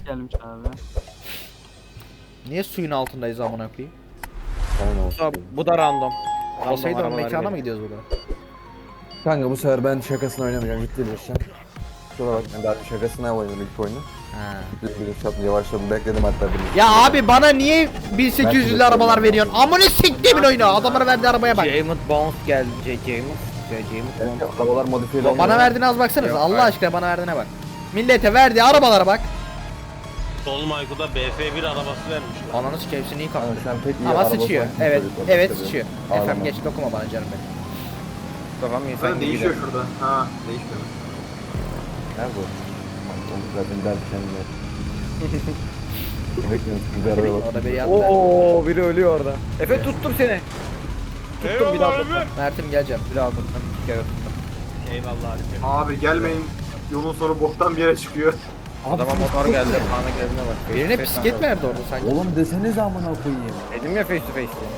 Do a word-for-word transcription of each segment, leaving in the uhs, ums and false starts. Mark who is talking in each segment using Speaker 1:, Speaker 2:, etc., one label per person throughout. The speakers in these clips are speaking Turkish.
Speaker 1: gelmiş abi.
Speaker 2: Niye suyun altındayız amına koyayım?
Speaker 3: Aynen
Speaker 4: Bu da,
Speaker 3: olsun.
Speaker 4: bu da random. Random
Speaker 2: Poseidon
Speaker 4: arabalar
Speaker 2: mekana
Speaker 4: geliyor.
Speaker 2: mı gidiyoruz burada?
Speaker 3: Kanka bu sefer ben şakasını oynamayacağım. Ciddi birleşeceğim. Şuna bak ben daha bir şakasına oynadım ilk oyunu.
Speaker 2: Ha.
Speaker 3: Ciddi birleştim. Yavaşladım bekledim hatta bir.
Speaker 2: Ya abi bana niye bin sekiz yüzlü arabalar veriyorsun? Amına siktimin oyunu. Adamlara verdiği arabaya bak.
Speaker 4: James Bond geldi. J- James. J- James Bond.
Speaker 3: Arabalar modifiyeli
Speaker 2: Bana verdiğine az baksanız.
Speaker 4: Yok,
Speaker 2: Allah
Speaker 4: hayır.
Speaker 2: aşkına bana verdiğine bak. Millete verdiği arabalara bak.
Speaker 5: Dolmayku'da B F bir arabası vermişler.
Speaker 2: Ananı sikeyim hepsini iyi kaptı.
Speaker 3: Yani sen tek iyi
Speaker 2: Ama
Speaker 3: araba
Speaker 2: sıçıyor.
Speaker 3: sonuçta
Speaker 2: Evet.
Speaker 3: çocuklar.
Speaker 2: Evet
Speaker 3: Tabii.
Speaker 2: sıçıyor.
Speaker 3: Ağlama.
Speaker 2: Efendim geç dokuma bana canım benim.
Speaker 4: Kafam insan
Speaker 6: Ha,
Speaker 4: gibi
Speaker 6: değişiyor
Speaker 4: gidiyor.
Speaker 6: şurada. Ha değişmiyor.
Speaker 3: Nerede o? Oğlum zaten der kendine. Bekliyorum bir araba bak.
Speaker 2: Orada biri yattı.
Speaker 4: Oo biri ölüyor orada. Efe tuttum seni. Tuttum bir daha tuttum.
Speaker 2: Mert'im geleceğim.
Speaker 4: Bir daha tuttum. Bir kere tuttum.
Speaker 5: Eyvallah Arif'im.
Speaker 6: Abi gelmeyin. Yolun sonu boktan bir yere çıkıyor.
Speaker 4: Adama motor geldi. Bana geldiğine bak.
Speaker 2: Birine bisiklet verdi orada sanki.
Speaker 3: Oğlum desenize amına koyayım.
Speaker 4: Dedim ya face to face diye.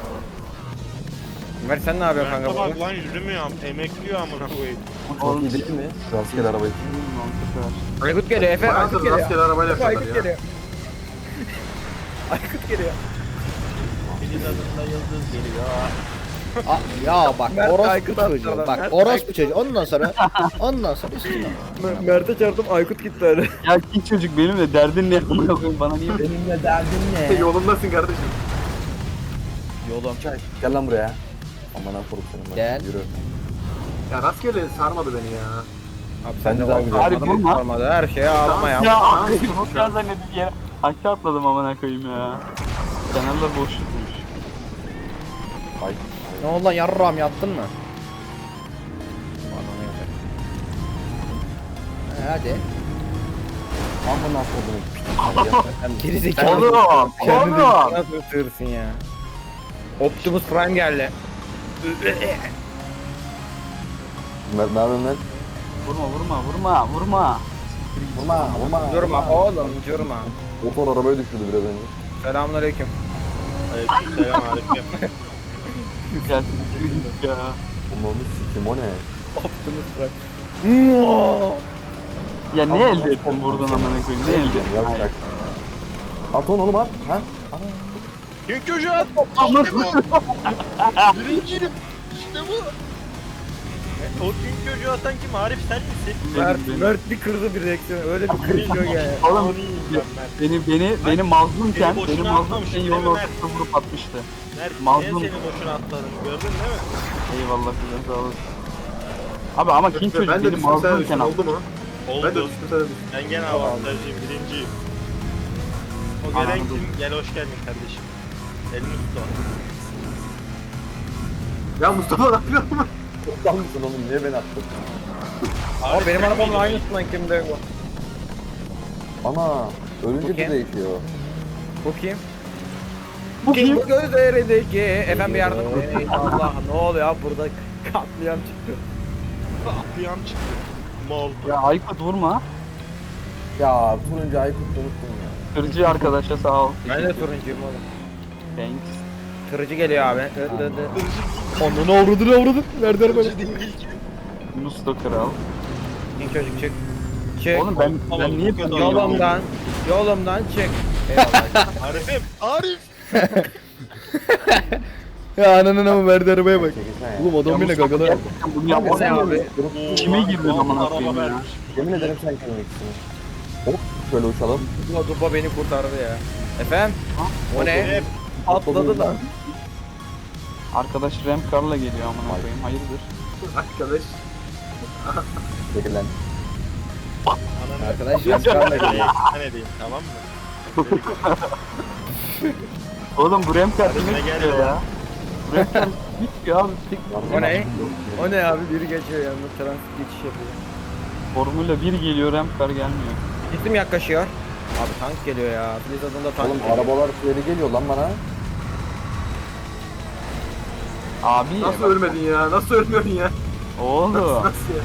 Speaker 4: Ömer sen ne yapıyorsun
Speaker 5: Ben
Speaker 4: kanka
Speaker 5: bak
Speaker 4: burada?
Speaker 5: lan yürümüyorum. Emekliyor amına koyayım.
Speaker 3: Çok iyi değil mi? Rastgele araba için.
Speaker 4: Aykut geliyor Efe. Aykut
Speaker 6: Bayağıdır
Speaker 4: geliyor.
Speaker 6: rastgele arabayla
Speaker 4: Efe,
Speaker 6: yapıyorlar
Speaker 4: Aykut
Speaker 6: ya.
Speaker 4: geliyor. Aykut geliyor.
Speaker 5: Filiz adında yıldız geliyor.
Speaker 2: Aa, ya bak
Speaker 4: Mert
Speaker 2: orospu
Speaker 4: Aykut
Speaker 2: çocuğu.
Speaker 4: attı
Speaker 2: Bak
Speaker 4: adam.
Speaker 2: orospu çocuğu. Ondan sonra ondan sonra üstüne.
Speaker 4: Mert'e çarptım Aykut gitti öyle.
Speaker 1: Ya kim çocuk benim de derdin ne amına koyayım bana niye
Speaker 3: Benimle derdin ne?
Speaker 6: Yolundasın kardeşim.
Speaker 4: Yolum.
Speaker 3: Çay. Gel lan buraya. Aman ha korkup seni.
Speaker 2: Gel.
Speaker 3: Yürü.
Speaker 6: Ya rastgele sarmadı beni ya.
Speaker 4: Abi
Speaker 3: Sen de daha güzel.
Speaker 1: Harbi vurma.
Speaker 4: Olmadı her şeye ağlama ya.
Speaker 1: Ya
Speaker 6: Tamam,
Speaker 1: akıyım
Speaker 6: tamam.
Speaker 1: o kadar zannedip yere aşağı atladım amına koyayım ya. Kenarlar boş tutmuş.
Speaker 3: Ay.
Speaker 2: Ne oldu lan yarram yattın mı? He, hadi.
Speaker 3: Aman ha korkup.
Speaker 2: Geri zekalı.
Speaker 1: Oğlum!
Speaker 4: Kendini
Speaker 1: Oğlum!
Speaker 4: nasıl sığırsın ya? Optimus Prime geldi.
Speaker 3: Mert ne yapıyorsun lan?
Speaker 1: Vurma vurma vurma vurma.
Speaker 3: Vurma vurma.
Speaker 4: Durma oğlum durma.
Speaker 3: Motor arabaya düşürdü biraz önce.
Speaker 4: Selamünaleyküm.
Speaker 5: Aleykümselam Arif'im.
Speaker 1: Ya ya.
Speaker 3: Onun sikim o ne?
Speaker 4: Optimus Prime.
Speaker 1: Ya ne elde ettin buradan amına koyayım? Ne elde ettin?
Speaker 3: Yapacak. At onu oğlum at. Ha?
Speaker 5: Kim çocuğu at? Birinciyim. İşte bu. O kim çocuğu atan kim? Arif sen misin?
Speaker 4: Mert,
Speaker 1: Benim, benim.
Speaker 4: Mert bir kırdı bir direksiyon. Öyle bir kırışıyor yani.
Speaker 1: Oğlum beni beni beni mazlumken
Speaker 5: Seni
Speaker 1: beni
Speaker 5: boşuna
Speaker 1: mazlumken
Speaker 5: atmamıştım,
Speaker 1: yolun
Speaker 5: değil mi Mert?
Speaker 1: ortasına vurup atmıştı.
Speaker 5: Mert
Speaker 1: Mazlum.
Speaker 5: niye seni boşuna atladım? Gördün değil mi?
Speaker 1: Eyvallah güzel sağ olasın. Abi ama kim çocuk
Speaker 6: Ben de
Speaker 1: beni
Speaker 6: düştüm sen de
Speaker 1: mazlumken
Speaker 6: düştün
Speaker 1: attı.
Speaker 6: oldu mu? Ben de
Speaker 5: Oldu.
Speaker 6: düştüm sen de düştün.
Speaker 5: Ben gene avantajlıyım. Birinciyim. O gelen
Speaker 1: Anladım.
Speaker 5: kim? Gel hoş geldin kardeşim. Elini tut
Speaker 6: Ya Mustafa ne yapıyorsun?
Speaker 3: Toplam mısın oğlum? Niye beni attın?
Speaker 4: Ama benim arabamın aynısından kimde bu?
Speaker 3: Ana. Ölünce
Speaker 4: Bu kim?
Speaker 3: de değişiyor.
Speaker 4: Bu kim?
Speaker 1: Bu kim?
Speaker 4: Bu gözlerindeki efendim bir yardım. Ey Allah ne oluyor abi burada katliam çıktı.
Speaker 5: Kıyam çıktı. Mal.
Speaker 1: Ya Aykut vurma.
Speaker 3: Ya turuncu Aykut unuttum ya.
Speaker 1: Kırıcı arkadaşa sağ ol.
Speaker 4: Ben de turuncuyum oğlum.
Speaker 1: Thanks.
Speaker 4: Tırıcı geliyor abi. Dı dı dı.
Speaker 2: Onu avradı ne avradı. Nerede araba?
Speaker 1: Yunus da kral.
Speaker 4: İlk çocuk çık. Çık.
Speaker 1: Oğlum ben
Speaker 5: Oğlum,
Speaker 1: ben niye
Speaker 5: bu kadar
Speaker 1: böyle
Speaker 4: Yolumdan. Yolumdan çık. Eyvallah.
Speaker 5: Arif'im. Arif.
Speaker 2: Ya ananın ama verdiği arabaya bak.
Speaker 3: Çekilsene ya.
Speaker 2: Oğlum adam bile gagalı.
Speaker 1: Gerçekten bunu
Speaker 4: O
Speaker 1: yapmasın
Speaker 4: ne
Speaker 1: abi.
Speaker 4: abi?
Speaker 1: Kime girdin
Speaker 5: Vallahi
Speaker 1: amına
Speaker 5: araba
Speaker 1: koyayım ya?
Speaker 5: vermiş.
Speaker 3: Yemin ederim sen kendin Hop şöyle uçalım.
Speaker 4: Duba duba beni kurtardı ya. Efendim? O ne?
Speaker 5: Hep
Speaker 4: Atladı lan.
Speaker 1: Arkadaş Remkar'la geliyor amına koyayım. Hayırdır?
Speaker 6: Arkadaş.
Speaker 3: Çekil lan.
Speaker 5: ananı.
Speaker 2: Arkadaş
Speaker 5: Ben
Speaker 2: rastgele
Speaker 5: edeyim, ben edeyim tamam mı?
Speaker 1: Oğlum bu Remkar
Speaker 5: Hadi
Speaker 1: kime
Speaker 5: ne
Speaker 1: gidiyor
Speaker 5: geliyor?
Speaker 1: ya? Bu Remkar gidiyor abi. Tek
Speaker 4: O ne? O ne abi? Biri geçiyor yanında transit geçiş yapıyor.
Speaker 1: Formula bir geliyor Remkar gelmiyor.
Speaker 4: Gittim yaklaşıyor. Abi tank geliyor ya. Filiz adında tank
Speaker 3: Oğlum
Speaker 4: geliyor.
Speaker 3: arabalar ileri geliyor lan bana.
Speaker 1: Abi
Speaker 6: Nasıl ölmedin ya? Nasıl ölmüyorsun ya?
Speaker 1: oğlum.
Speaker 6: Nasıl ya?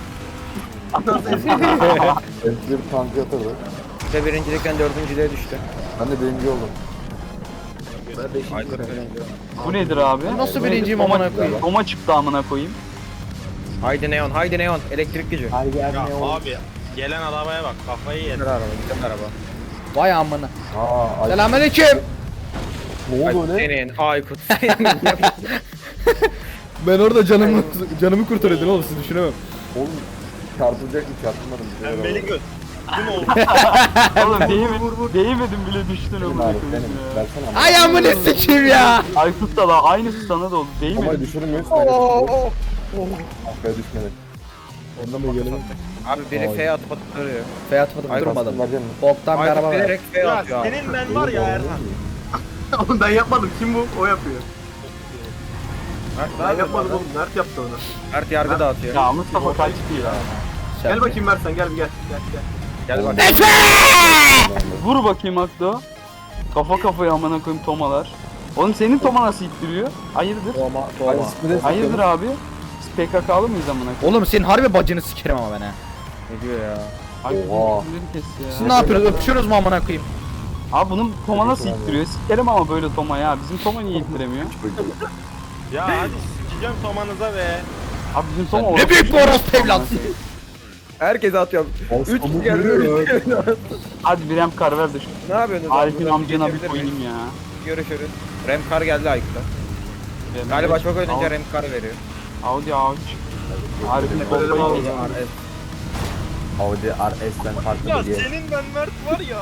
Speaker 3: Eski bir tank yatırdı.
Speaker 4: İşte birincilikten dördüncülüğe düştü.
Speaker 3: Ben de birinci oldum.
Speaker 6: Ben de
Speaker 4: Aykut
Speaker 6: şimdi
Speaker 4: birinci.
Speaker 1: Bu nedir abi?
Speaker 2: Nasıl
Speaker 1: Bu nedir?
Speaker 2: birinciyim
Speaker 1: Toma-
Speaker 2: amına koyayım?
Speaker 1: Toma çıktı amına koyayım.
Speaker 4: Haydi neon, haydi neon. Elektrik gücü.
Speaker 3: Haydi
Speaker 5: Ya
Speaker 3: ne oldu?
Speaker 5: abi Gelen arabaya bak kafayı
Speaker 4: Güzel
Speaker 5: yedi.
Speaker 4: araba, güzel araba.
Speaker 2: Vay amına.
Speaker 3: Aa, ay,
Speaker 2: Selamünaleyküm.
Speaker 3: ne oldu öyle?
Speaker 4: Senin Aykut senin.
Speaker 2: Ben orada canımı canımı kurtarıyordun oğlum, siz düşünemem.
Speaker 3: Oğlum çarpılacak mı çarpılmadım.
Speaker 5: Ben beni göt. Değil mi oğlum?
Speaker 1: Oğlum değmedim, değmedim bile düştün
Speaker 3: Benim
Speaker 1: amına
Speaker 3: abi
Speaker 1: koyayım
Speaker 3: benim.
Speaker 1: ya.
Speaker 3: Versene ama.
Speaker 2: Ay amına sikeyim ya.
Speaker 1: Aykut da la aynısı sana da oldu.
Speaker 3: Ama
Speaker 1: Değmedim.
Speaker 3: düşürmüyorsun.
Speaker 4: Oo,
Speaker 3: Arkaya
Speaker 4: oo.
Speaker 3: düşmedi. Ondan mı gelelim?
Speaker 4: Abi biri F atıp atıp duruyor.
Speaker 2: Feyat atmadım,
Speaker 4: Ay,
Speaker 2: durmadım.
Speaker 3: Vereceksin mi?
Speaker 2: Boktan bir
Speaker 4: Aykut
Speaker 2: araba var.
Speaker 4: bilerek F
Speaker 5: Ya
Speaker 4: atıyor abi.
Speaker 5: senin ben var ya Erhan.
Speaker 6: Oğlum ben yapmadım. Kim bu? O yapıyor.
Speaker 4: Mert
Speaker 6: Ben
Speaker 4: ne yapıyor
Speaker 6: yapmadım
Speaker 4: lan?
Speaker 6: oğlum. Mert yaptı onu.
Speaker 4: Mert yargı dağıtıyor.
Speaker 1: Ya Mustafa kaçtı ya.
Speaker 6: Gel bakayım Mert sen gel gel gel gel.
Speaker 4: Gel bak.
Speaker 1: Vur bakayım Akdo. Kafa kafaya amına koyayım tomalar. Oğlum senin toma nasıl ittiriyor? Hayırdır?
Speaker 4: Toma,
Speaker 3: Hadi
Speaker 4: toma.
Speaker 3: ismi de
Speaker 1: Hayırdır abi? Biz P K K'lı mıyız amına koyayım?
Speaker 2: Oğlum senin harbi bacını sikerim ama ben ha.
Speaker 4: Ne diyor ya?
Speaker 1: Ay
Speaker 3: Oha.
Speaker 1: sinirleri kes
Speaker 2: Siz
Speaker 1: ya.
Speaker 2: ne yapıyorsunuz? Öpüşüyorsunuz mu amına koyayım?
Speaker 1: Abi bunun toma nasıl ittiriyor? Sikerim ama böyle toma ya. Bizim toma niye ittiremiyor?
Speaker 5: Ya hadi sikeceğim tomanıza be.
Speaker 1: Abi bizim toma
Speaker 2: Ne büyük bir orospu evlat.
Speaker 4: Herkese atıyorum. Üç kişi geldi. üç kişi geldi.
Speaker 1: Hadi bir hem kar ver de şu
Speaker 4: Ne yapıyorsunuz?
Speaker 1: Arif'in
Speaker 4: Burada
Speaker 1: amcana bir
Speaker 4: geçebilir
Speaker 1: koyayım
Speaker 4: miyiz?
Speaker 1: ya.
Speaker 4: Görüşürüz. Remkar geldi Aykut'a. Galiba çok oynayınca Remkar veriyor.
Speaker 1: Audi Audi. Arif'in
Speaker 6: Böyle
Speaker 1: kafayı
Speaker 6: mal-
Speaker 1: yiyeceğim.
Speaker 3: Audi R S'den farklı
Speaker 5: Ya
Speaker 3: diye.
Speaker 5: senin ben Mert var ya.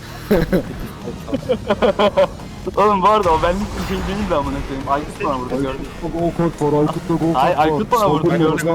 Speaker 1: Oğlum bu arada o benlik bir şey değil de amına koyayım. Aykut bana vurdu gördün.
Speaker 3: Go kod var, Aykut'ta go
Speaker 1: Ay Aykut bana vurdu gördün.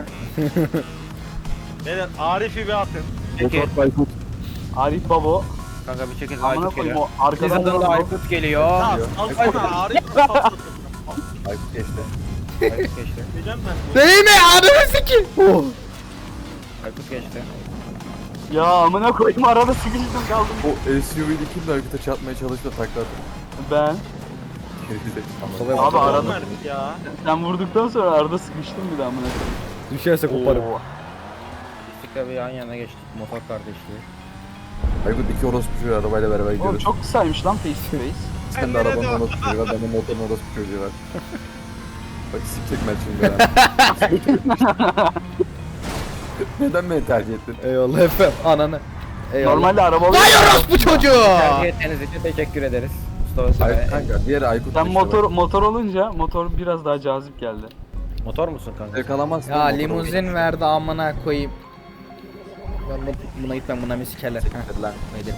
Speaker 5: Beyler Arif'i bir atın.
Speaker 4: Peki.
Speaker 1: Arif Babo.
Speaker 4: Kanka bir çekil
Speaker 1: Amına
Speaker 4: Aykut
Speaker 1: koyayım
Speaker 4: geliyor.
Speaker 1: o arkadan
Speaker 4: Sizin
Speaker 1: vurdu.
Speaker 4: de Aykut geliyor.
Speaker 5: Ya alsana Arif'i patlatın.
Speaker 3: Aykut geçti.
Speaker 4: Aykut geçti.
Speaker 5: Diyeceğim ben.
Speaker 2: Değil mi? Adamı sikeyim. Oh.
Speaker 4: Aykut geçti.
Speaker 1: Ya amına koyayım arada sıkıştım kaldım.
Speaker 3: O S U V'de kimle Aykut'a çarpmaya çalıştı takla attı.
Speaker 1: Ben.
Speaker 3: Gerizekalı.
Speaker 1: Abi arada
Speaker 5: Mert ya.
Speaker 1: sen vurduktan sonra arada sıkıştım bir daha amına koyayım.
Speaker 2: Düşerse koparım.
Speaker 1: Oo.
Speaker 4: İstikle bir yan yana geçtik. Motor kardeşliği.
Speaker 3: Aykut iki orospu çocuğu arabayla beraber
Speaker 1: Oğlum
Speaker 3: gidiyoruz.
Speaker 1: çok kısaymış lan face to face.
Speaker 3: Sen de arabanın orospu çocuğu var, ben de motorun orospu çocuğu var. Bak sikecek ben şimdi ya. Neden beni tercih ettin?
Speaker 2: Eyvallah efendim. Ananı. Eyvallah.
Speaker 1: Normalde arabalı.
Speaker 2: Vay orospu çocuğu.
Speaker 4: Tercih ettiğiniz için teşekkür ederiz. Mustafa
Speaker 3: Aykut
Speaker 4: Süre.
Speaker 3: kanka, diğer Aykut
Speaker 1: Sen
Speaker 3: işte
Speaker 1: motor
Speaker 3: bak.
Speaker 1: motor olunca motor biraz daha cazip geldi.
Speaker 4: Motor musun kanka?
Speaker 3: Yakalamazsın.
Speaker 2: Ya
Speaker 3: motor
Speaker 2: limuzin verdi amına koyayım. Ben bu- buna gitmem, buna misikerler.
Speaker 3: olur. Lan.
Speaker 2: Neydi?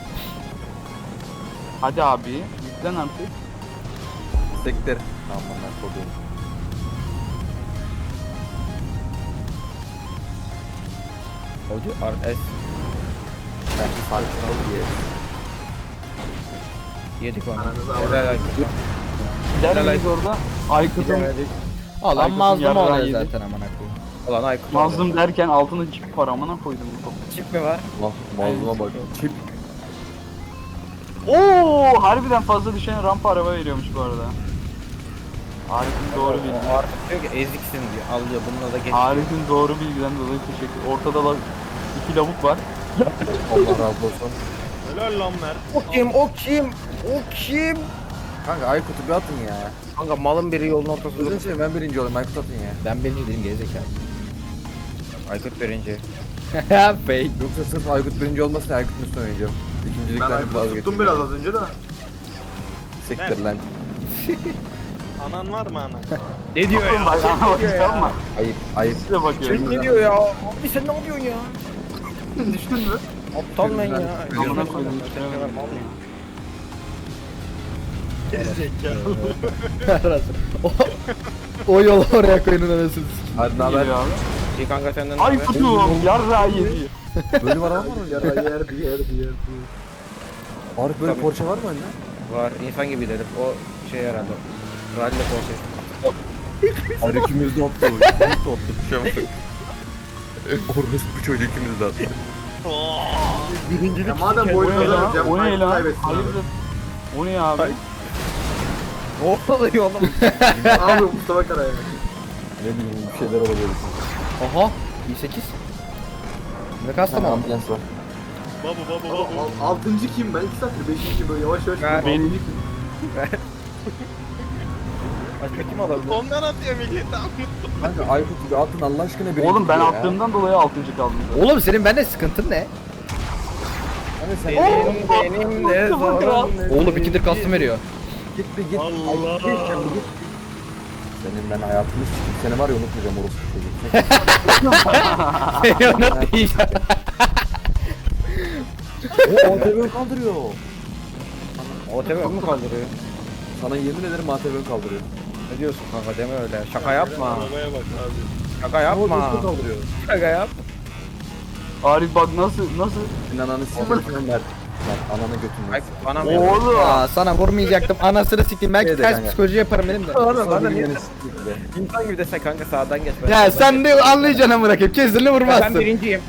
Speaker 1: Hadi abi yüklen artık.
Speaker 3: Sektir. Tamam ben kodum.
Speaker 4: Audi R S.
Speaker 3: Ben bir sakin ol diye.
Speaker 4: Yedik onu.
Speaker 6: Aranızı
Speaker 4: Helal Aykut.
Speaker 1: Gider miyiz orada? Aykut'un
Speaker 4: Gidemedik.
Speaker 2: Alan
Speaker 1: Aykut'un
Speaker 2: mazlum
Speaker 1: yarrağı
Speaker 2: oluyor
Speaker 1: yedi.
Speaker 2: zaten amına koyayım.
Speaker 4: Ulan Aykut.
Speaker 1: mazlum derken altına çip var amına koydum bu topu.
Speaker 4: Çip mi var?
Speaker 3: Bak mazluma bak. Çip.
Speaker 1: Oo harbiden fazla düşen rampa araba veriyormuş bu arada. Arif'in doğru bilgi.
Speaker 4: O artık diyor ki eziksin diyor. Alıyor bununla da geç.
Speaker 1: Arif'in doğru bilgiden dolayı teşekkür. Ortada da iki lavuk var.
Speaker 3: Allah razı olsun.
Speaker 5: Helal lan Mert.
Speaker 4: O kim? O kim? O kim?
Speaker 3: Kanka Aykut'u bir atın ya.
Speaker 4: Kanka malın biri yolun ortasında.
Speaker 3: Gözünü seveyim ben birinci olayım Aykut atın ya.
Speaker 2: Ben birinci değilim, gerizekalı.
Speaker 4: Aykut birinci.
Speaker 2: Fake.
Speaker 3: Yoksa sırf Aykut birinci olmasın diye Aykut'un üstüne oynayacağım.
Speaker 6: Ben
Speaker 3: İkincilikten
Speaker 6: Aykut'u
Speaker 3: vazgeçeceğim.
Speaker 6: tuttum biraz az önce de.
Speaker 3: Sektir lan.
Speaker 5: Anan var mı anan?
Speaker 4: Ne diyor
Speaker 1: Oğlum bak ana bak işte ama.
Speaker 3: Ayıp ayıp.
Speaker 1: Size bakıyorum.
Speaker 4: Ne diyor ya? Abi sen ne yapıyorsun ya?
Speaker 6: Düştün mü?
Speaker 4: Aptal ben ya.
Speaker 1: Amına koydum.
Speaker 2: o, o yol oraya koyun anasını sikeyim.
Speaker 3: Hadi ne haber?
Speaker 1: Geliyor abi.
Speaker 4: İyi kanka senden ne haber?
Speaker 1: Aykut'um yarrağı yedi.
Speaker 3: Böyle var ama mı?
Speaker 6: Yara yerdi yerdi yerdi.
Speaker 3: Arif böyle
Speaker 4: Tabii.
Speaker 3: Porsche var mı önde?
Speaker 4: Var insan gibi dedim. O şey herhalde. Rally Porsche.
Speaker 3: Arif ikimiz de attı. İkimiz de attı. Bir şey yaptık. Orası bu çocuk ikimiz de attı.
Speaker 6: Ya madem bu
Speaker 1: O
Speaker 6: oyunu
Speaker 1: ne lan?
Speaker 6: kazanacağım,
Speaker 1: O ne
Speaker 6: Aykut
Speaker 1: lan?
Speaker 6: kaybetsin abi.
Speaker 1: Hayırdır? O ne abi?
Speaker 4: Ne oluyor oğlum?
Speaker 6: Abi Mustafa Karaya.
Speaker 3: Ne bileyim bir şeyler olabilir.
Speaker 2: Aha. i sekiz. Ne kastım
Speaker 3: Tamam
Speaker 2: ama.
Speaker 3: ambulans var.
Speaker 5: Babu babu
Speaker 6: Al-
Speaker 5: babu.
Speaker 6: al- Altıncı kim? Ben iki saattir beşinci böyle yavaş yavaş.
Speaker 4: Ben-
Speaker 1: Benim
Speaker 4: Başka kim alabilir?
Speaker 5: Ondan atıyor millet.
Speaker 3: Kanka Aykut gibi atın Allah aşkına birinci
Speaker 1: Oğlum ben
Speaker 3: gidiyor ya.
Speaker 1: attığımdan dolayı altıncı kaldım. zaten.
Speaker 2: Oğlum senin bende sıkıntın ne?
Speaker 3: Hani sen
Speaker 4: Benim benim de zorum.
Speaker 2: Oğlum ikidir kastım veriyor.
Speaker 3: git bir git.
Speaker 5: Allah.
Speaker 3: Aykut geç sen bir git. Senin ben hayatımı sikeyim. Seni var ya unutmayacağım orospu çocuğu.
Speaker 2: Seni unutmayacağım.
Speaker 3: O A T V kaldırıyor.
Speaker 4: O T V mi kaldırıyor?
Speaker 3: Sana yemin ederim A T V kaldırıyor.
Speaker 4: Ne diyorsun kanka deme öyle. Şaka yapma.
Speaker 5: Arabaya bak abi.
Speaker 4: Şaka
Speaker 3: Ama
Speaker 4: yapma.
Speaker 3: orospu kaldırıyor.
Speaker 4: Şaka yap.
Speaker 1: Arif bak nasıl nasıl.
Speaker 3: Senin ananı sikeyim ver. Bak ananı götürme.
Speaker 4: Ay bana mı?
Speaker 1: Oğlum.
Speaker 2: Aa, sana vurmayacaktım. Anasını sikeyim. Belki
Speaker 3: Şey de
Speaker 2: ters
Speaker 3: kanka.
Speaker 2: psikoloji yaparım benim de.
Speaker 4: Oğlum bana niye?
Speaker 3: Beni sikeyim be.
Speaker 4: İnsan gibi desen kanka sağdan geç. ben
Speaker 2: Ya
Speaker 4: soldan
Speaker 2: sen de anlayacaksın amına koyayım. Kesinlikle
Speaker 4: geç. Ben
Speaker 2: vurmazsın.
Speaker 4: birinciyim.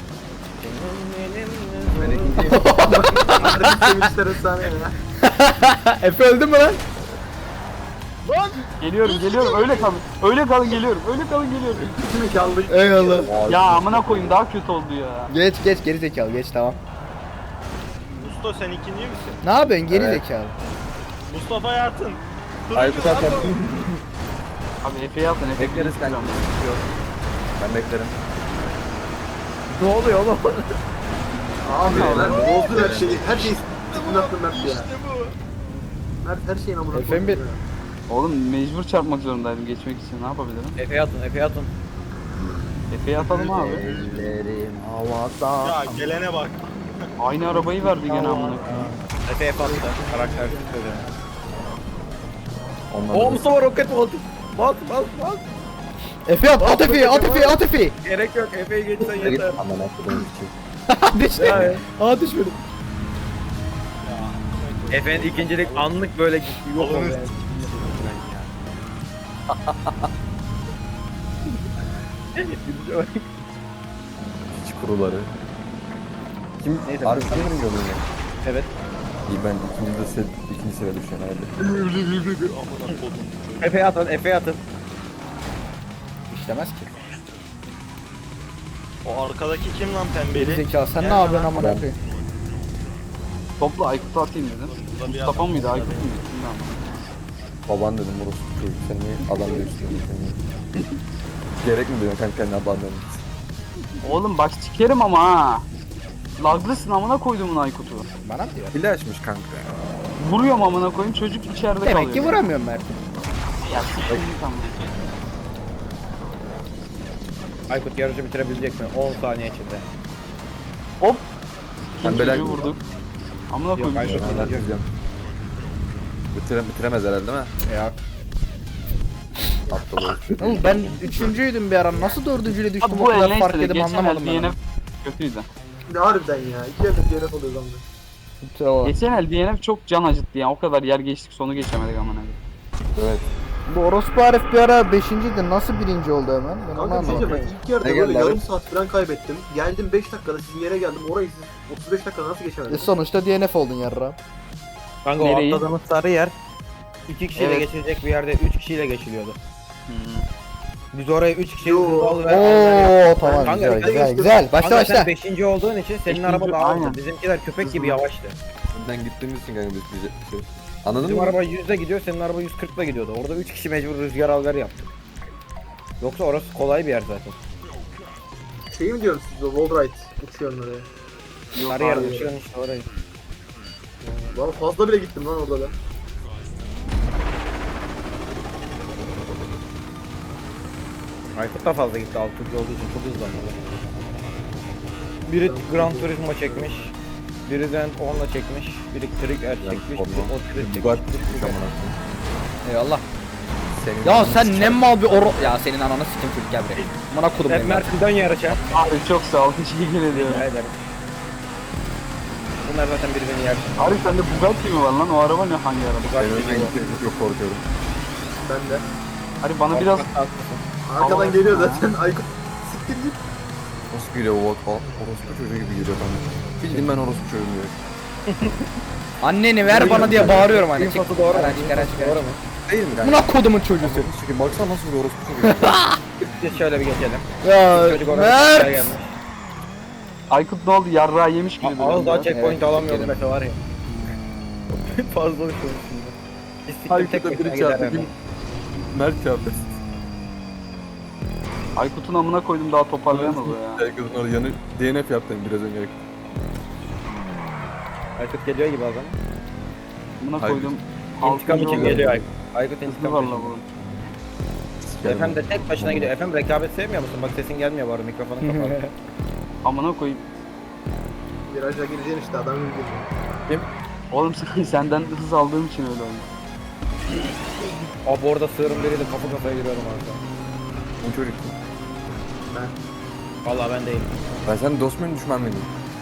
Speaker 3: Beni
Speaker 6: Harbi sevinçler efsane ya.
Speaker 2: Efe öldün mü lan?
Speaker 1: Geliyorum geliyorum öyle kalın. Öyle kalın geliyorum. Öyle kalın geliyorum.
Speaker 6: İkisini kaldık.
Speaker 2: Eyvallah.
Speaker 1: Ya amına koyayım daha kötü oldu ya.
Speaker 2: Geç geç geri zekalı geç tamam.
Speaker 5: Mustafa sen ikinci misin?
Speaker 2: Ne yapıyorsun geri
Speaker 3: Evet.
Speaker 2: zekalı?
Speaker 5: Mustafa Hayatın.
Speaker 3: Aykut
Speaker 5: Turuncu
Speaker 3: at
Speaker 5: lan
Speaker 3: at.
Speaker 5: bu.
Speaker 1: Abi Efe'yi atın Efe.
Speaker 3: Bekleriz kanka. Yok. Ben beklerim.
Speaker 4: Ne oluyor oğlum?
Speaker 6: Abi
Speaker 3: Abi,
Speaker 6: lan
Speaker 3: abi.
Speaker 6: bozdu her şeyi. Her şeyi s**tim attım Mert ya.
Speaker 5: İşte bu.
Speaker 6: Mert her şeyin amına
Speaker 2: Efendim
Speaker 6: koydum
Speaker 2: bir-
Speaker 6: ya.
Speaker 1: Oğlum mecbur çarpmak zorundaydım geçmek için. Ne yapabilirim?
Speaker 4: Efe atın, Efe atın.
Speaker 1: Efe'yi atalım abi.
Speaker 3: Ellerim havada.
Speaker 5: Ya gelene bak.
Speaker 1: Aynı arabayı verdi gene amına koyayım.
Speaker 4: Efe Efe attı. Karakter söylüyor.
Speaker 3: Ondan
Speaker 4: Oo
Speaker 3: da-
Speaker 4: Mustafa roket mi oldu? Bas bas bas.
Speaker 2: Efe at at Efe'yi at Efe'yi at Efe'yi.
Speaker 4: Gerek yok Efe'yi geçsen
Speaker 3: Git
Speaker 4: yeter.
Speaker 3: aman akıdığım için.
Speaker 2: Düştü. Aa düşmedi.
Speaker 4: Efe'nin ikincilik anlık böyle gitti. Yok oldu yani.
Speaker 3: Hiç kuruları. Kim?
Speaker 4: Neyse,
Speaker 3: Arif sen mi gördün ya?
Speaker 4: Evet.
Speaker 3: İyi ben ikinci de se ikinci sıra düşen hadi.
Speaker 5: Amına kodum.
Speaker 4: Efe'ye atın, Efe'ye atın.
Speaker 2: İşlemez ki.
Speaker 5: O arkadaki kim lan
Speaker 2: Geri
Speaker 5: pembeli?
Speaker 2: zekalı sen ne
Speaker 5: Gel
Speaker 2: yapıyorsun
Speaker 5: lan.
Speaker 2: amına koyayım?
Speaker 1: Topla Aykut'u atayım dedim.
Speaker 5: Burada bir
Speaker 1: Mustafa
Speaker 5: adam
Speaker 1: mıydı
Speaker 5: var.
Speaker 1: Aykut muydu? Bilmiyorum.
Speaker 3: Baban dedim orospu çocuk sen niye adam diyorsun sen niye? Gerek mi diyorsun kanka kendi adamların?
Speaker 1: Oğlum bak sikerim ama ha. Laglısın amına koyduğumun Aykut'u.
Speaker 2: Bana mı diyor?
Speaker 3: Hile açmış kanka.
Speaker 1: Vuruyorum amına koyayım çocuk içeride kalıyor.
Speaker 2: Demek ki vuramıyorum Mert.
Speaker 1: Ya siktir git amına.
Speaker 4: Aykut yarışı bitirebilecek mi? on saniye içinde.
Speaker 1: Hop.
Speaker 3: Ben
Speaker 1: İkinci
Speaker 3: bela-
Speaker 1: çocuğu vurduk. Amına
Speaker 4: Yok,
Speaker 1: koyayım.
Speaker 4: Aykut.
Speaker 3: Ben atacağım. Bitire, bitiremez herhalde değil mi?
Speaker 2: Ya.
Speaker 3: Aptal orospu.
Speaker 2: Oğlum ben üçüncüydüm bir ara. Nasıl dördüncüyle düştüm
Speaker 1: Abi
Speaker 2: o
Speaker 1: bu el
Speaker 2: kadar
Speaker 1: neyse
Speaker 2: fark
Speaker 1: de
Speaker 2: edip
Speaker 1: geçen
Speaker 2: anlamadım
Speaker 1: el
Speaker 2: ben.
Speaker 1: D N F kötüydü.
Speaker 6: Ne harbiden ya. İki yerde D N F oluyor lan.
Speaker 2: Tamam.
Speaker 1: Geçen el D N F çok can acıttı ya. O kadar yer geçtik sonu geçemedik amına koyayım.
Speaker 3: Evet.
Speaker 2: Bu orospu Arif bir ara beşinciydi. Nasıl birinci oldu hemen? Ben onu
Speaker 6: Kanka bir şey diyeceğim,
Speaker 2: anlamadım.
Speaker 6: ben ilk yarıda
Speaker 3: Ne
Speaker 6: böyle
Speaker 3: geldi
Speaker 6: yarım
Speaker 3: abi?
Speaker 6: saat falan kaybettim. Geldim beş dakikada sizin yere geldim. Orayı siz otuz beş dakikada nasıl
Speaker 2: E
Speaker 6: geçemediniz?
Speaker 2: sonuçta D N F oldun yarra.
Speaker 4: Kanka
Speaker 1: Nereyi?
Speaker 4: o atladığımız sarı yer iki kişiyle
Speaker 1: Evet.
Speaker 4: geçilecek bir yerde üç kişiyle geçiliyordu.
Speaker 1: Hmm.
Speaker 4: Biz oraya üç kişiyle
Speaker 6: Yo.
Speaker 4: hızlı ver. ver-
Speaker 2: Oo tamam
Speaker 4: Kanka,
Speaker 2: güzel
Speaker 4: dikkat
Speaker 2: güzel
Speaker 6: et.
Speaker 2: güzel. Başla
Speaker 4: Kanka sen
Speaker 2: başla.
Speaker 4: beşinci olduğun için senin
Speaker 1: Beşinci,
Speaker 4: araba daha
Speaker 1: aynen.
Speaker 4: hızlı. Bizimkiler köpek gibi yavaştı.
Speaker 3: Buradan gittiğimiz için kanka biz bize şey. Anladın
Speaker 4: Bizim
Speaker 3: mı?
Speaker 4: araba yüzde gidiyor, senin araba yüz kırkla gidiyordu. Orada üç kişi mecbur rüzgar alver yaptık. Yoksa orası kolay bir yer zaten.
Speaker 6: Şey mi diyorsunuz siz o Wallride uçuyorsun oraya?
Speaker 1: Yok
Speaker 4: Sarı yer
Speaker 1: abi.
Speaker 4: uçuyorsun işte orayı.
Speaker 6: Valla fazla bile gittim lan orada ben.
Speaker 4: Aykut da fazla gitti altıncı olduğu için çok hızlı anladı. Biri Gran Turismo çekmiş. Biri de onunla çekmiş. Biri Trigger çekmiş. Biri o Trigger
Speaker 3: Bugatti
Speaker 4: çekmiş.
Speaker 3: çıkmış amına koyayım.
Speaker 2: Eyvallah.
Speaker 3: Senin
Speaker 2: Ya
Speaker 3: ananı
Speaker 2: sen
Speaker 3: sikeyim.
Speaker 2: ne mal bir oro... Ya senin ananı sikim çocuk gel buraya. Bana kodum
Speaker 4: Hep
Speaker 2: benim.
Speaker 4: Mert'in dön yarışa.
Speaker 1: Abi çok sağ ol. Teşekkür ediyorum.
Speaker 4: Rica ederim. Bunlar zaten birbirini yer.
Speaker 1: Abi sende Bugatti mi var lan? O araba ne hangi araba?
Speaker 3: Senin önüne gittiğim çok korkuyorum.
Speaker 6: Ben de.
Speaker 1: Hadi bana biraz
Speaker 6: Arkadan
Speaker 1: Hava-
Speaker 6: geliyor
Speaker 1: Ha.
Speaker 6: zaten. Aykut siktir git.
Speaker 3: Nasıl geliyor o o orospu çocuğu gibi geliyor kanka. Bildim ben orospu çocuğum diyor.
Speaker 2: Anneni ver bana diye bağırıyorum hani. Çık.
Speaker 4: İnfosu doğru mu?
Speaker 2: Çıkar çıkar çıkar.
Speaker 4: Doğru mu?
Speaker 3: Değil mi kanka?
Speaker 2: Buna kodumun çocuğusu.
Speaker 3: Çünkü baksana nasıl bir orospu çocuğu.
Speaker 4: Biz şöyle bir geçelim.
Speaker 2: Ya
Speaker 4: Çocuk oraya
Speaker 2: Mert.
Speaker 4: gelmiş.
Speaker 1: Aykut ne oldu? Yarrağı yemiş gibi
Speaker 4: Ağız
Speaker 1: duruyor.
Speaker 4: daha
Speaker 1: ya.
Speaker 4: checkpoint
Speaker 2: Evet,
Speaker 4: alamıyordu
Speaker 2: çekelim.
Speaker 4: Mete var ya. Fazla bir konuşuyor. İstiklim tek
Speaker 3: Aykut'ta
Speaker 4: başına
Speaker 3: biri
Speaker 4: gider
Speaker 3: çarptı.
Speaker 4: hemen.
Speaker 3: Mert çarptı.
Speaker 1: Aykut'un amına koydum daha toparlayamadı ya.
Speaker 3: Aykut'un orada yanı D N F yaptım biraz önce.
Speaker 4: Aykut geliyor gibi adam.
Speaker 1: Amına
Speaker 3: Hayır.
Speaker 1: koydum.
Speaker 4: İntikam için
Speaker 1: Altıncı
Speaker 4: geliyor
Speaker 1: oldu.
Speaker 4: Aykut. Aykut
Speaker 1: Hızlı
Speaker 4: intikam
Speaker 1: var
Speaker 4: için.
Speaker 1: la bu.
Speaker 4: Efem de tek başına gidiyor. Efem rekabet sevmiyor musun? Bak sesin gelmiyor bari mikrofonun kapalı.
Speaker 1: Amına koyayım.
Speaker 6: Viraja gireceksin işte adam gibi geliyor.
Speaker 1: Oğlum sen, senden hız aldığım için öyle oldu.
Speaker 4: Abi orada sığırın biriyle kafa kafaya giriyorum arada.
Speaker 3: Bu çocuk.
Speaker 4: Vallahi ben değilim.
Speaker 3: Ben sen dost muyum düşman mıyım?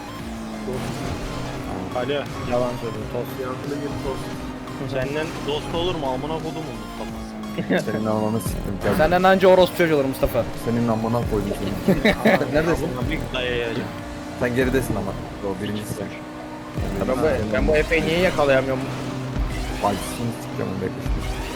Speaker 5: Alo.
Speaker 4: Yalan söylüyor. Tost.
Speaker 6: Yankılı gibi tost.
Speaker 5: Senden dost olur mu amına kodumun Mustafa?
Speaker 3: Senin ananı siktim. Gel.
Speaker 2: Senden anca orospu çocuğu olur Mustafa.
Speaker 3: Senin amına koydum seni. Sen neredesin?
Speaker 5: Büyük dayayacağım.
Speaker 3: Sen geridesin ama. O birincisi sen.
Speaker 4: Ya ben bu, ben bu Efe'yi niye yakalayamıyorum?
Speaker 3: Bacısını sikeceğim onu bekle.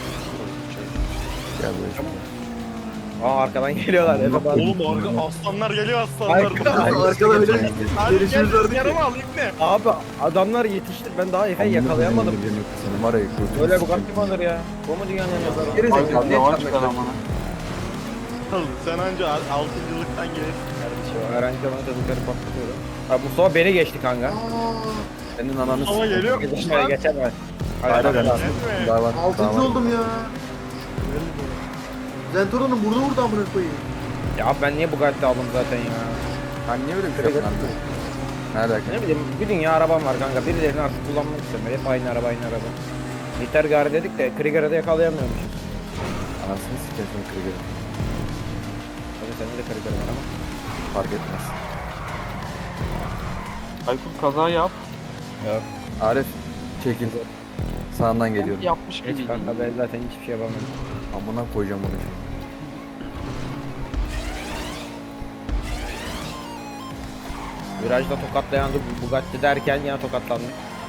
Speaker 3: Gel buraya şimdi.
Speaker 4: Aa arkadan geliyorlar. Efe bana.
Speaker 5: Oğlum arka aslanlar geliyor aslanlar.
Speaker 4: Arka-
Speaker 6: Arkada bile
Speaker 5: Hadi
Speaker 6: gelişimiz
Speaker 5: gel
Speaker 6: vardı ki.
Speaker 5: yanıma al ipne.
Speaker 4: Abi adamlar yetişti. Ben daha Efe'yi yakalayamadım.
Speaker 3: Senin var ya. götünü
Speaker 4: Böyle bu
Speaker 3: sikeceğim.
Speaker 4: kadar mı olur ya? Bu mu dünyanın en yazarı?
Speaker 3: Geri
Speaker 1: Aykut
Speaker 3: zekalı.
Speaker 1: yavaş çıkar amına.
Speaker 5: Sen anca altıncılıktan gelirsin kardeşim.
Speaker 4: Öğrenci bana çocukları patlatıyorum. Abi Mustafa beni geçti kanka.
Speaker 3: Senin ananı
Speaker 5: Ama
Speaker 3: sikeceğim.
Speaker 5: geliyor mu?
Speaker 4: Geçemez geçemez.
Speaker 3: Hayır hayır.
Speaker 5: Etme.
Speaker 3: Daha var. daha
Speaker 6: Altıncı
Speaker 3: var.
Speaker 6: oldum ya. Zentora'nın burnu vurdu amına koyayım.
Speaker 4: Ya ben niye Bugatti aldım zaten ya?
Speaker 3: Ben niye öyle bir şey yaptın abi? Ne alaka?
Speaker 4: Ne bileyim bir dünya arabam var kanka. Birilerini artık kullanmak istemiyor. Hep aynı araba aynı araba. Yeter gari dedik de Krieger'ı da yakalayamıyormuşuz.
Speaker 3: Anasını sikeceğim Krieger'ı.
Speaker 4: Tabii senin de Krieger var ama.
Speaker 3: Fark etmez.
Speaker 1: Aykut kaza yap.
Speaker 4: Yok.
Speaker 3: Arif çekil. Sağından geliyorum.
Speaker 1: Yapmış
Speaker 4: Geç
Speaker 1: gibi.
Speaker 4: kanka ben zaten hiçbir şey yapamıyorum.
Speaker 3: Amına koyacağım onu şimdi.
Speaker 4: Virajda tokatlayan da Bugatti derken ya tokatlandık.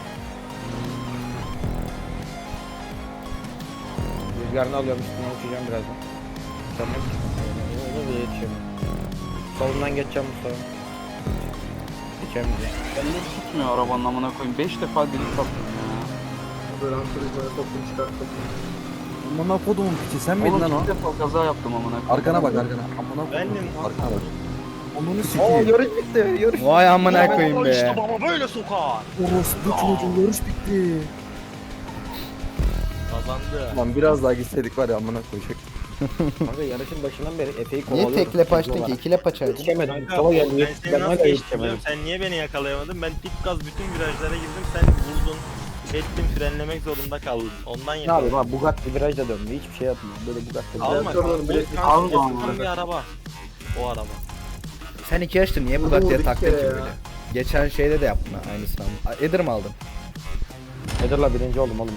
Speaker 4: Rüzgarını alıyorum üstüne uçacağım birazdan. Sen ne biçim? Onu bile yetişemiyorum. Solundan geçeceğim Mustafa. Geçemeyeceğim.
Speaker 1: Bende tutmuyor arabanın amına koyayım. beş defa delik attım ya.
Speaker 6: Böyle antrenmana soktum çıkarttım.
Speaker 3: Amına kodumun piçi sen miydin
Speaker 1: Oğlum
Speaker 3: lan o?
Speaker 1: iki defa kaza yaptım amına koyayım.
Speaker 3: Arkana bak arkana. Amına kodum.
Speaker 5: Bendim.
Speaker 3: Arkana bak. Onunu
Speaker 4: Oo
Speaker 3: sikeyim.
Speaker 4: yarış bitti yarış.
Speaker 2: Vay amına koyayım
Speaker 5: Baba işte
Speaker 2: be.
Speaker 5: baba böyle sokar.
Speaker 3: Orospu çocuğu yarış bitti.
Speaker 5: Kazandı.
Speaker 3: Lan biraz daha gitseydik var ya amına koyacak.
Speaker 4: Kanka yarışın başından beri Efe'yi
Speaker 2: Niye
Speaker 4: kovalıyorum.
Speaker 2: tek lap açtın ki? İki lap açaydın.
Speaker 4: Yetişemedim.
Speaker 5: Kanka,
Speaker 4: Sola geldi.
Speaker 5: ben
Speaker 4: yetiştim.
Speaker 5: seni
Speaker 4: Ben
Speaker 5: nasıl
Speaker 4: hala
Speaker 5: geçtim
Speaker 4: yetişemedim.
Speaker 5: biliyorum. Sen niye beni yakalayamadın? Ben dip gaz bütün virajlara girdim. Sen vurdun. Ettim frenlemek zorunda kaldın. Ondan
Speaker 4: Ne yapayım
Speaker 5: yakaladım.
Speaker 4: abi Bugatti virajda döndü. Hiçbir şey yapmıyor. Böyle Bugatti.
Speaker 5: Alma
Speaker 6: Zentora'nın
Speaker 5: kanka.
Speaker 6: bileti-
Speaker 5: Kanka,
Speaker 1: Alma
Speaker 5: o
Speaker 1: ama.
Speaker 5: bir araba. O araba.
Speaker 2: Sen iki yaştın niye
Speaker 6: Bunu
Speaker 2: Bugatti'ye
Speaker 6: vurduk
Speaker 2: taktın
Speaker 6: kere
Speaker 2: ki
Speaker 6: ya.
Speaker 2: böyle? Geçen şeyde de yaptın ha, aynısını. Edir mi aldın?
Speaker 4: Header'la birinci oldum oğlum.